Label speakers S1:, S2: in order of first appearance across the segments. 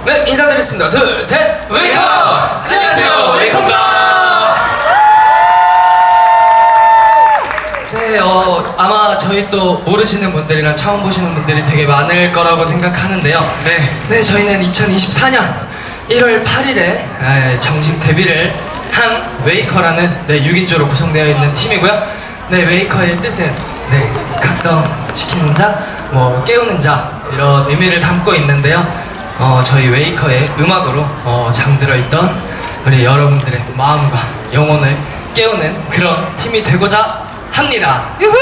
S1: 네, 인사드리겠습니다. 둘, 셋, 웨이커! 안녕하세요, 웨이커입니다. 네, 아마 저희 또 모르시는 분들이나 처음 보시는 분들이 되게 많을 거라고 생각하는데요. 네, 저희는 2024년 1월 8일에 정식 데뷔를 한 웨이커라는 6인조로 구성되어 있는 팀이고요. 네, 웨이커의 뜻은 각성시키는 자, 깨우는 자 이런 의미를 담고 있는데요. 저희 웨이커의 음악으로 잠들어 있던 우리 여러분들의 마음과 영혼을 깨우는 그런 팀이 되고자 합니다. 유후!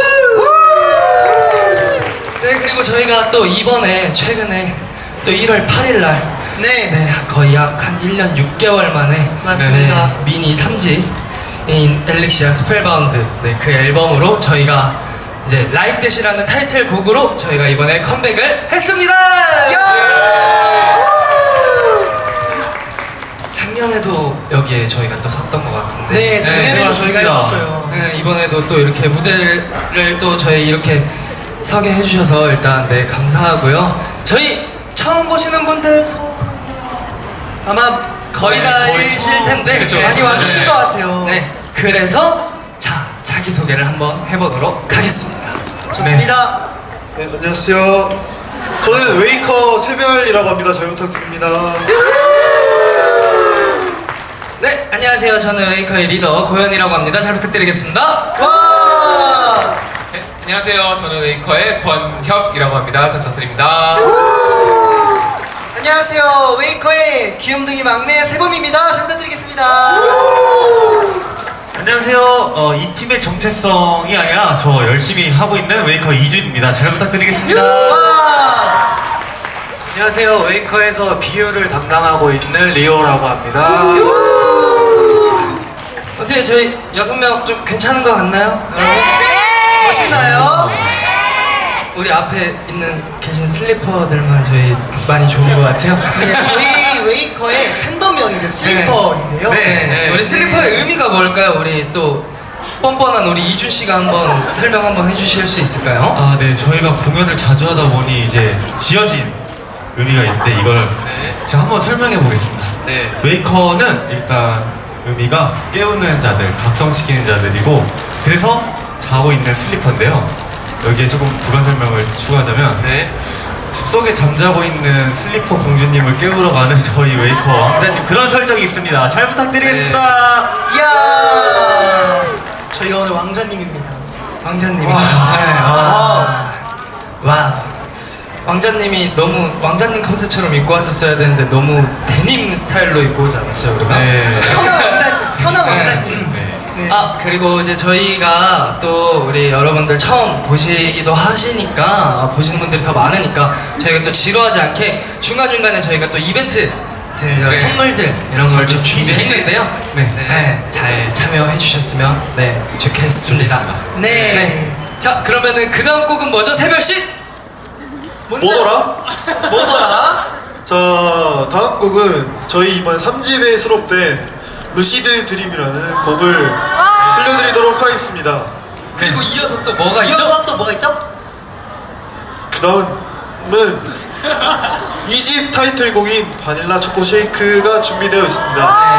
S1: 네, 그리고 저희가 또 이번에 최근에 또 1월 8일날 거의 약 한 1년 6개월 만에
S2: 맞습니다.
S1: 미니 3집인 엘릭시아 스펠바운드 그 앨범으로 저희가 이제 라이크 댓이라는 타이틀곡으로 저희가 이번에 컴백을 했습니다. 작년에도 여기에 저희가 또 섰던 것 같은데.
S2: 네, 작년에도 저희가 했었어요.
S1: 네, 이번에도 또 이렇게 무대를 또 저희 이렇게 서게 해주셔서 일단 감사하고요. 저희 처음 보시는 분들
S2: 아마
S1: 거의 다 일실 텐데
S3: 그렇죠.
S2: 많이 와주신 것 같아요.
S1: 네, 그래서 자기소개를 한번 해보도록 하겠습니다.
S2: 좋습니다.
S3: 네, 안녕하세요. 저는 웨이커 세별이라고 합니다. 잘 부탁드립니다.
S1: 네, 안녕하세요. 저는 웨이커의 리더 고현이라고 합니다. 잘 부탁드리겠습니다.
S2: 와!
S4: 네, 안녕하세요. 저는 웨이커의 권협이라고 합니다. 잘 부탁드립니다.
S2: 안녕하세요. 웨이커의 귀염둥이 막내 세범입니다. 잘 부탁드리겠습니다.
S5: 안녕하세요. 이 팀의 정체성이 아니라 저 열심히 하고 있는 웨이커 이준입니다. 잘 부탁드리겠습니다.
S2: 와!
S6: 안녕하세요. 웨이커에서 비유를 담당하고 있는 리오라고 합니다.
S1: 어떻게 저희 6명 좀 괜찮은 것 같나요?
S2: 멋있나요?
S1: 우리 앞에 계신 슬리퍼들만 저희 많이 좋은 것 같아요.
S2: 네, 저희 웨이커의 팬덤명이 슬리퍼인데요.
S1: 우리 슬리퍼의 의미가 뭘까요? 우리 또 뻔뻔한 우리 이준 씨가 한번 설명 한번 해주실 수 있을까요?
S5: 아, 네. 저희가 공연을 자주 하다 보니 이제 지어진 의미가 있는데 이걸 제가 한번 설명해 보겠습니다.
S1: 네.
S5: 웨이커는 일단 의미가 깨우는 자들, 각성시키는 자들이고 그래서 자고 있는 슬리퍼인데요. 여기에 조금 부가 설명을 추가하자면 숲속에 잠자고 있는 슬리퍼 공주님을 깨우러 가는 저희 웨이커 왕자님 그런 설정이 있습니다. 잘 부탁드리겠습니다.
S2: 이야! 저희가 오늘 왕자님입니다.
S1: 왕자님.
S2: 와.
S1: 와. 왕자님이 너무 왕자님 컨셉처럼 입고 왔었어야 되는데 너무 데님 스타일로 입고 오지 않았어요, 우리가?
S2: 편한 왕자님.
S5: 네.
S2: 네.
S1: 그리고 이제 저희가 또 우리 여러분들 처음 보시기도 하시니까 보시는 분들이 더 많으니까 저희가 또 지루하지 않게 중간중간에 저희가 또 이벤트 선물들 이런 걸 좀 준비했는데요. 잘 참여해 주셨으면 좋겠습니다.
S2: 네.
S1: 자, 그러면은 그 다음 곡은 뭐죠? 세별씨?
S3: 뭐더라?
S2: 뭐더라?
S3: 자, 다음 곡은 저희 이번 3집에 수록된 루시드 드림이라는 곡을 들려드리도록 하겠습니다.
S1: 그리고 이어서 또 뭐가 있죠?
S2: 이어서 또 뭐가 있죠?
S3: 그 다음은 2집 타이틀곡인 바닐라 초코 쉐이크가 준비되어 있습니다.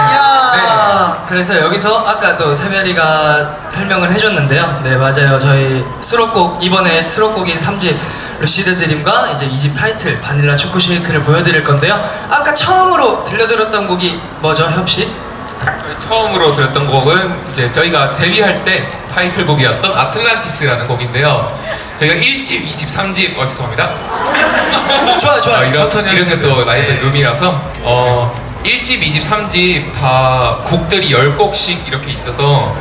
S2: 이야!
S1: 그래서 여기서 아까 또 세별이가 설명을 해줬는데요. 네, 맞아요. 저희 수록곡, 이번에 수록곡인 3집 루시드 드림과 이제 2집 타이틀 바닐라 초코 쉐이크를 보여드릴 건데요. 아까 처음으로 들려드렸던 곡이 뭐죠, 협씨?
S4: 처음으로 들었던 곡은 이제 저희가 데뷔할 때 타이틀곡이었던 아틀란티스라는 곡인데요. 저희가 1집, 2집, 3집 죄송합니다.
S2: 좋아요.
S4: 이런 게 또 라이브 룸이라서 1집, 2집, 3집 다 곡들이 10곡씩 이렇게 있어서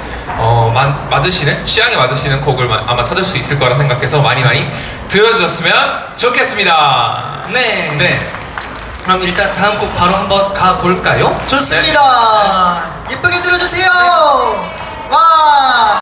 S4: 취향에 맞으시는 곡을 아마 찾을 수 있을 거라 생각해서 많이 들어주셨으면 좋겠습니다.
S1: 네. 그럼 일단 다음 곡 바로 한번 가볼까요?
S2: 좋습니다. 예쁘게 들어주세요. 와!